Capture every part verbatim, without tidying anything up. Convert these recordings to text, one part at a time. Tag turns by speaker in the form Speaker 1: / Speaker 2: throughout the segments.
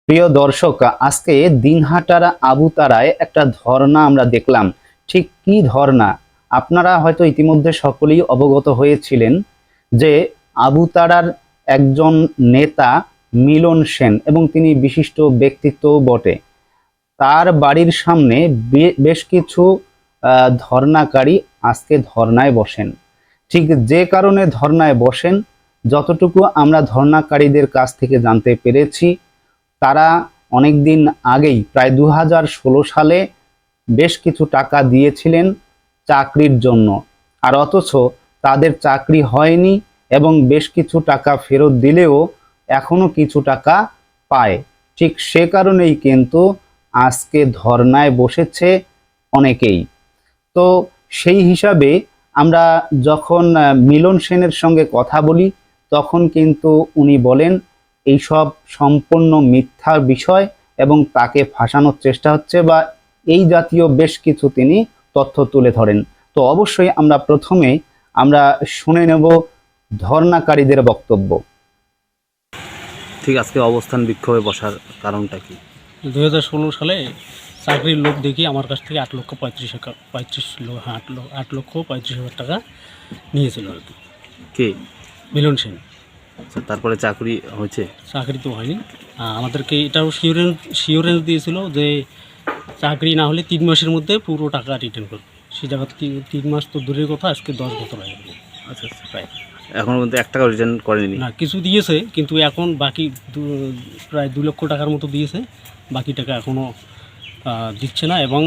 Speaker 1: প্রিয় দর্শক, আজকে দিনহাটার আবুতারায় একটা ধর্ণা আমরা দেখলাম। ঠিক কি ধর্ণা? আপনারা হয়তো ইতিমধ্যে সকলেই অবগত হয়েছিলেন যে আবুতারার একজন নেতা মিলন সেন, এবং তিনি বিশিষ্ট ব্যক্তিত্বও বটে, তার বাড়ির সামনে বেশ কিছু আহ, ধর্ণাকারী আজকে ধর্ণায় বসেন। ঠিক যে কারণে ধর্ণায় বসেন, যতটুকু আমরা ধর্ণাকারীদের কাছ থেকে জানতে পেরেছি, তারা অনেক দিন আগেই প্রায় দু হাজার ষোলো সালে বেশ কিছু টাকা দিয়েছিলেন চাকরির জন্য, আর অথচ তাদের চাকরি হয়নি এবং বেশ কিছু টাকা ফেরত দিলেও এখনো কিছু টাকা পায়। ঠিক সে কারণেই কিন্তু আজকে ধর্নায় বসেছে অনেকেই। তো সেই হিসাবে আমরা যখন মিলন সেনের সঙ্গে কথা বলি, তখন কিন্তু উনি বলেন এইসব সম্পূর্ণ মিথ্যা বিষয় এবং তাকে ফাঁসানোর চেষ্টা হচ্ছে, বা এই জাতীয় বেশ কিছু তিনি তথ্য তুলে ধরেন। তো অবশ্যই আমরা প্রথমে আমরা শুনে নেব ধর্ণাকারীদের বক্তব্য।
Speaker 2: ঠিক আজকে অবস্থান বিক্ষোভে বসার কারণটা কি?
Speaker 3: দুই হাজার ষোলো সালে চাকরির লোক দেখি আমার কাছ থেকে আট লক্ষ পঁয়ত্রিশ হাজার পঁয়ত্রিশ হ্যাঁ আট লক্ষ আট লক্ষ পঁয়ত্রিশ হাজার টাকা নিয়েছিল আর কি।
Speaker 2: কে?
Speaker 3: মিলন সেন।
Speaker 2: আচ্ছা, তারপরে চাকরি হয়েছে?
Speaker 3: চাকরি তো হয়নি। আমাদেরকে এটাও শিওরেন্স শিওরেন্স দিয়েছিল যে চাকরি না হলে তিন মাসের মধ্যে পুরো টাকা রিটার্ন করবে। সেই জায়গা তিন মাস তো দূরের কথা, আজকে দশ বছর হয়ে গেল।
Speaker 2: আচ্ছা আচ্ছা, প্রায় এখনো পর্যন্ত এক টাকা রিটার্ন করেনি?
Speaker 3: না, কিছু দিয়েছে, কিন্তু এখন বাকি প্রায় দু লক্ষ টাকার মতো দিয়েছে, বাকি টাকা এখনও দিচ্ছে না। এবং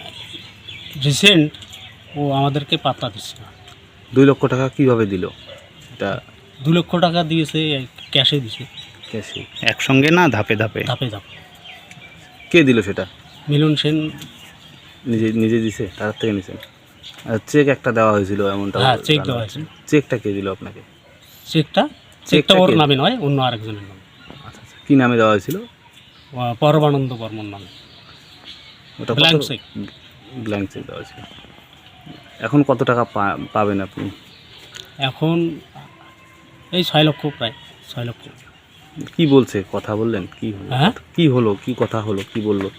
Speaker 3: রিসেন্ট ও আমাদেরকে পাত্তা দিচ্ছে না।
Speaker 2: দুই লক্ষ টাকা কিভাবে দিল? এটা
Speaker 3: দু লক্ষ টাকা দিয়েছে, ক্যাশে দিছে।
Speaker 2: ক্যাশে?
Speaker 1: একসঙ্গে না, ধাপে ধাপে?
Speaker 3: ধাপে ধাপে।
Speaker 2: কে দিল সেটা?
Speaker 3: মিলন সেন
Speaker 2: নিজে নিজে দিছে, তার থেকে নিছেন? আর চেক একটা দেওয়া হয়েছিল এমনটা?
Speaker 3: হ্যাঁ, চেক দেওয়া হয়েছিল।
Speaker 2: চেকটা কে দিল আপনাকে?
Speaker 3: চেকটা চেকটা ওর নামে নয়, অন্য আরেকজনের নামে।
Speaker 2: আচ্ছা আচ্ছা, কী নামে দেওয়া হয়েছিল?
Speaker 3: পরমানন্দ বর্মন নামে।
Speaker 2: ওটা
Speaker 3: ব্ল্যাঙ্ক চেক।
Speaker 2: ব্ল্যাঙ্ক চেক দেওয়া হয়েছিল। এখন কত টাকা পাবেন আপনি?
Speaker 3: এখন এই ছয় লক্ষ, প্রায় ছয় লক্ষ।
Speaker 2: কি বলছে? কথা বললেন? কি হলো?
Speaker 3: হ্যাঁ,
Speaker 2: কি হলো? কি কথা হলো? কি বললো?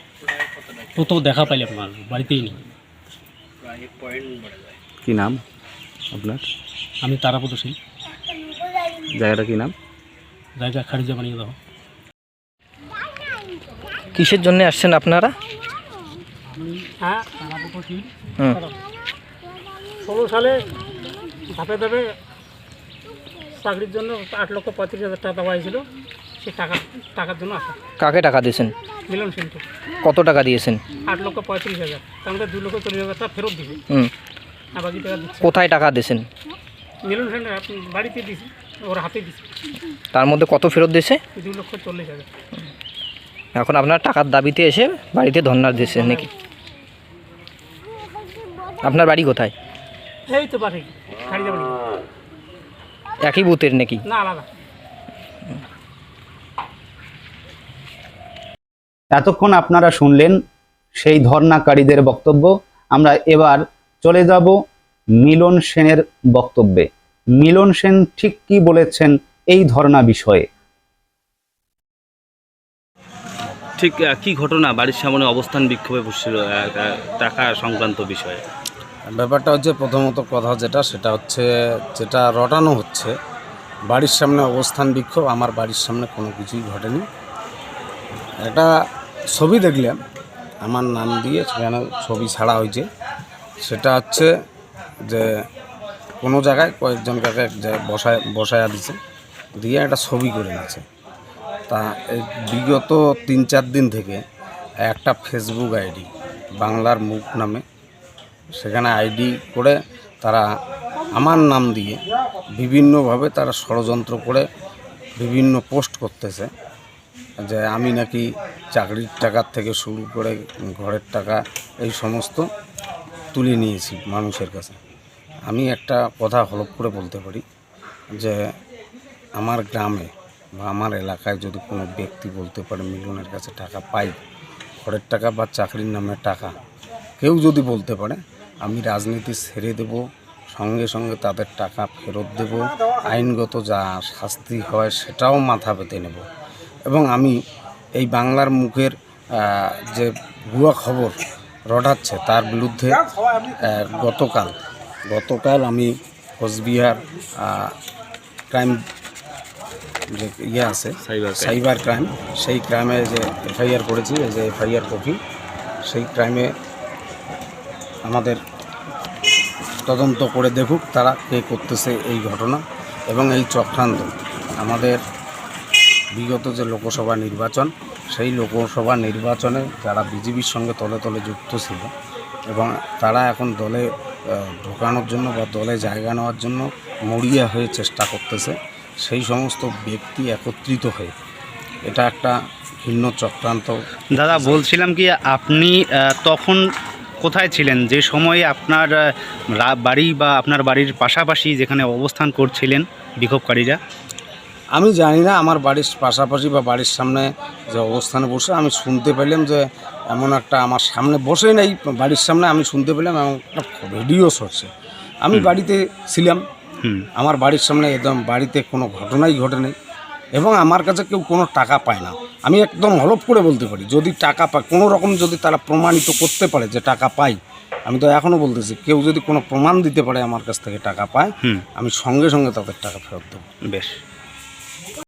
Speaker 3: ও তো দেখা পাইলে আপনার বাড়িতেই নেই।
Speaker 2: কি নাম আপনার?
Speaker 3: আমি তারাপদ সিং।
Speaker 2: জায়গাটা কি নাম?
Speaker 3: জায়গা খারিজা বানিয়ে দাও।
Speaker 4: কিসের জন্য আসছেন আপনারা?
Speaker 3: হ্যাঁ, তারাপদ সিং।
Speaker 4: হুম।
Speaker 3: ষোলো সালে ধাপে ধাপে চাকরির জন্য আট লক্ষ পঁয়ত্রিশ হাজার টাকা দেওয়া হয়েছিল। সে টাকা টাকার জন্য আসা।
Speaker 4: কাকে টাকা দিয়েছেন?
Speaker 3: মিলন সেনকে।
Speaker 4: কত টাকা দিয়েছেন?
Speaker 3: আট লক্ষ পঁয়ত্রিশ হাজার, তার মধ্যে দু লক্ষ চল্লিশ হাজার টাকা ফেরত দিবে।
Speaker 4: হুম।
Speaker 3: আর বাকি টাকা দিচ্ছে।
Speaker 4: কোথায় টাকা দিয়েছেন?
Speaker 3: মিলন সেন বাড়িতে দিছে, ওর হাতে দিছে।
Speaker 4: তার মধ্যে কত ফেরত দিয়েছে?
Speaker 3: দু লক্ষ চল্লিশ হাজার।
Speaker 4: এখন আপনার টাকার দাবিতে এসে বাড়িতে ধর্ণা দিয়েছেন নাকি? আপনার বাড়ি কোথায়?
Speaker 3: এই তো বাড়ি খারিজা বাড়ি।
Speaker 4: একই বুথের নাকি?
Speaker 3: না, আলাদা।
Speaker 1: এতক্ষণ আপনারা শুনলেন সেই ধর্ণাকারীদের বক্তব্য। আমরা এবার চলে যাব মিলন সেনের বক্তব্যে। মিলন সেন ঠিক কি বলেছেন এই ধর্ণা বিষয়ে?
Speaker 2: ঠিক কি ঘটনা বাড়ির সামনে অবস্থান বিক্ষোভে বসছিল টাকা সংক্রান্ত বিষয়ে?
Speaker 5: ব্যাপারটা হচ্ছে, প্রথমত কথা যেটা সেটা হচ্ছে, যেটা রটানো হচ্ছে বাড়ির সামনে অবস্থান বিক্ষোভ, আমার বাড়ির সামনে কোনো কিছুই ঘটেনি। একটা ছবি দেখলাম আমার নাম দিয়ে, সেখানে ছবি ছাড়া হয়েছে। সেটা হচ্ছে যে কোনো জায়গায় কয়েকজন কাকে বসায় বসায়া দিছে, দিয়ে একটা ছবি করে নিয়েছে। তা এই বিগত তিন চার দিন থেকে একটা ফেসবুক আইডি বাংলার মুখ নামে, সেখানে আইডি করে তারা আমার নাম দিয়ে বিভিন্নভাবে তারা ষড়যন্ত্র করে বিভিন্ন পোস্ট করতেছে যে আমি নাকি চাকরির টাকার থেকে শুরু করে ঘরের টাকা এই সমস্ত তুলে নিয়েছি মানুষের কাছে। আমি একটা কথা হলফ করে বলতে পারি যে আমার গ্রামে বা আমার এলাকায় যদি কোনো ব্যক্তি বলতে পারে মিলনের কাছে টাকা পাই, ঘরের টাকা বা চাকরির নামে টাকা, কেউ যদি বলতে পারে, আমি রাজনীতি ছেড়ে দেব, সঙ্গে সঙ্গে তাদের টাকা ফেরত দেব, আইনগত যা শাস্তি হয় সেটাও মাথা পেতে নেব। এবং আমি এই বাংলার মুখের আহ, যে ভুয়া খবর রটাচ্ছে তার বিরুদ্ধে আহ, গতকাল গতকাল আমি কোচবিহার আহ, ক্রাইম যে ইয়ে আছে
Speaker 2: সাইবার ক্রাইম।
Speaker 5: সাইবার ক্রাইম, সেই ক্রাইমে যে এফআইআর করেছি, এই যে এফআইআর কপি, সেই ক্রাইমে আমাদের তদন্ত করে দেখুক তারা কে করতেছে এই ঘটনা এবং এই চক্রান্ত। আমাদের বিগত যে লোকসভা নির্বাচন, সেই লোকসভা নির্বাচনে যারা বিজেপির সঙ্গে তলে তলে যুক্ত ছিল এবং তারা এখন দলে আহ, ঢোকানোর জন্য বা দলে জায়গা নেওয়ার জন্য মরিয়া হয়ে চেষ্টা করতেছে, সেই সমস্ত ব্যক্তি একত্রিত হয়ে এটা একটা ভিন্ন চক্রান্ত।
Speaker 1: দাদা বলছিলাম কি আপনি আহ, তখন কোথায় ছিলেন যে সময়ে আপনার আহ, রা- বাড়ি বা আপনার বাড়ির পাশাপাশি যেখানে অবস্থান করছিলেন বিক্ষোভকারীরা?
Speaker 5: আমি জানি না, আমার বাড়ির পাশাপাশি বা বাড়ির সামনে যে অবস্থানে বসে আমি শুনতে পেলাম যে এমন একটা, আমার সামনে বসে নেই, বাড়ির সামনে আমি শুনতে পেলাম এমন একটা ভিডিও সরছে। আমি বাড়িতে ছিলাম,
Speaker 1: হুম
Speaker 5: আমার বাড়ির সামনে একদম বাড়িতে কোনো ঘটনাই ঘটেনি এবং আমার কাছে কেউ কোনো টাকা পায় না। আমি একদম হলফ করে বলতে পারি, যদি টাকা পায় কোনো রকম, যদি তারা প্রমাণিত করতে পারে যে টাকা পাই, আমি তো এখনও বলতেছি, কেউ যদি কোনো প্রমাণ দিতে পারে আমার কাছ থেকে টাকা পায়,
Speaker 1: হুম
Speaker 5: আমি সঙ্গে সঙ্গে তাদের টাকা ফেরত দেবো।
Speaker 1: বেশ।